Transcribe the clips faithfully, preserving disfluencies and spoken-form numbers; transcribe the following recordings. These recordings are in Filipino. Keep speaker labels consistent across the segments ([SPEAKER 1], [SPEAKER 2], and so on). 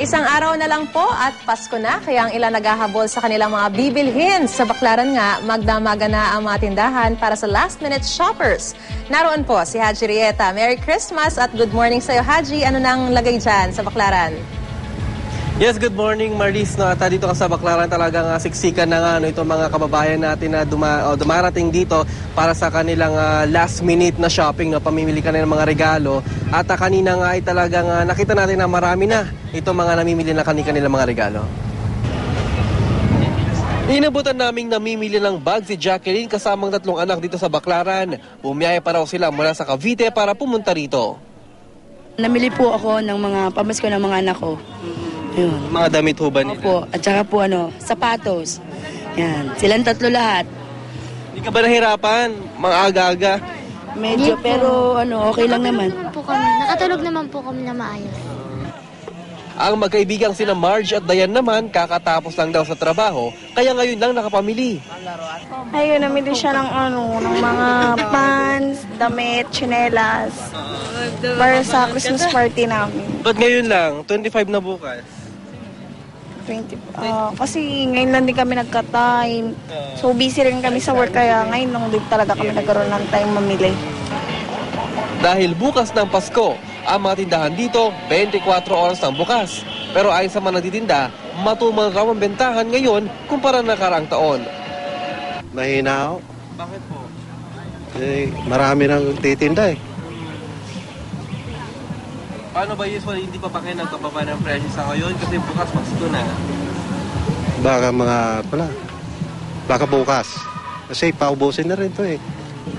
[SPEAKER 1] Isang araw na lang po at Pasko na, kaya ang ilan naghahabol sa kanilang mga bibilhin. Sa Baclaran nga, magdamaga na ang mga tindahan para sa last-minute shoppers. Naroon po si Haji Rieta. Merry Christmas at good morning sa iyo, Haji. Ano nang lagay dyan sa Baclaran?
[SPEAKER 2] Yes, good morning, Maris. No, at dito ka sa Baclaran, talagang uh, siksikan na nga no, itong mga kababayan natin na duma, oh, dumarating dito para sa kanilang uh, last minute na shopping, no, pamimili ka na ng mga regalo. At uh, kanina nga ay talagang uh, nakita natin na marami na itong mga namimili na kanilang mga regalo. Inabutan naming namimili ng bag si Jacqueline kasamang tatlong anak dito sa Baclaran. Bumiyaya pa raw sila mula sa Cavite para pumunta rito.
[SPEAKER 3] Namili po ako ng mga pamasko ng mga anak ko. Yun.
[SPEAKER 2] Mga damit ho ba nila?
[SPEAKER 3] Opo, at saka po ano, sapatos. Yan, silang tatlo lahat.
[SPEAKER 2] Hindi ka ba nahirapan? Mga aga-aga?
[SPEAKER 3] Medyo,
[SPEAKER 4] Hindi po.
[SPEAKER 3] pero ano, okay lang naman.
[SPEAKER 4] Po kami. Nakatulog naman po kami na maayos.
[SPEAKER 2] Ang magkaibigang sina Marge at Dayan naman kakatapos lang daw sa trabaho, kaya ngayon lang nakapamili.
[SPEAKER 5] Ayun, namili siya ng ano, ng mga pants, damit, tsinelas. Para sa Christmas party namin.
[SPEAKER 2] Ba't ngayon lang? twenty-five na bukas.
[SPEAKER 5] twenty, ah, kasi ngayon lang din kami nagka-time. So busy rin kami sa work kaya ngayon lang din talaga kami nagkaroon ng time mamili.
[SPEAKER 2] Dahil bukas ng Pasko, ang mga tindahan dito, twenty-four oras ang bukas. Pero ayon sa mga nagtitinda, matumal raw ang bentahan ngayon kumpara na nakaraang taon.
[SPEAKER 6] Mahina ako.
[SPEAKER 2] Bakit po?
[SPEAKER 6] Eh, marami nang titinda eh.
[SPEAKER 2] Paano ba usually hindi pa pa kayo nagkababa ng presyo sa ngayon? Kasi bukas Pasko na.
[SPEAKER 6] Baka mga, pala, baka bukas. Kasi paubusin na rin to eh.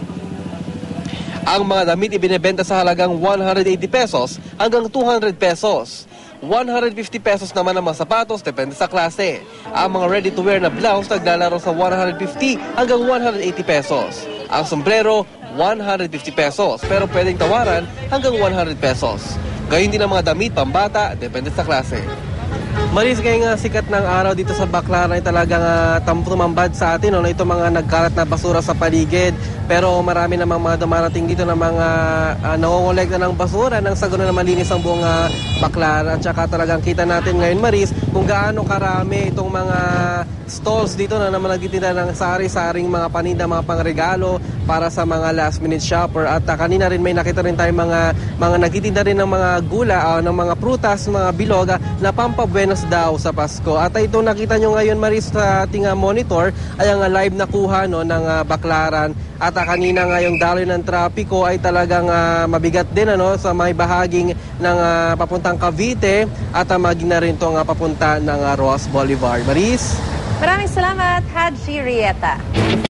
[SPEAKER 2] Ang mga damit ibinebenta sa halagang one hundred eighty pesos hanggang two hundred pesos. one hundred fifty pesos naman ang mga sapatos, depende sa klase. Ang mga ready-to-wear na blouse naglalaro sa one hundred fifty hanggang one hundred eighty pesos. Ang sombrero, one hundred fifty pesos, pero pwedeng tawaran hanggang one hundred pesos. Gayun din ang mga damit, pambata, depende sa klase. Maris, ngayon nga sikat ng araw dito sa Baclaran ay talagang uh, tumambad sa atin. No? Ito mga nagkalat na basura sa paligid. Pero marami namang mga dumarating dito na mga uh, nangongolekta ng basura nang sa gano'n na malinis ang buong uh, Baclaran. At saka talagang kita natin ngayon, Maris, kung gaano karami itong mga stalls dito na naman nagtitinda ng sari-saring mga paninda, mga pangregalo para sa mga last minute shopper. At uh, kanina rin may nakita rin tayo mga, mga nagtitinda rin ng mga gula, uh, ng mga prutas, mga bilog uh, na pampabuenos daw sa Pasko. At uh, ito nakita nyo ngayon, Maris, sa ating uh, monitor ay ang uh, live na kuha no, ng uh, Baclaran. At uh, kanina nga yung daloy ng trapiko ay talagang uh, mabigat din ano, sa may bahaging ng uh, papuntang Cavite at uh, maging na rin itong uh, papunta ng uh, Ross Boulevard. Maris?
[SPEAKER 1] Maraming salamat, Haji Rieta.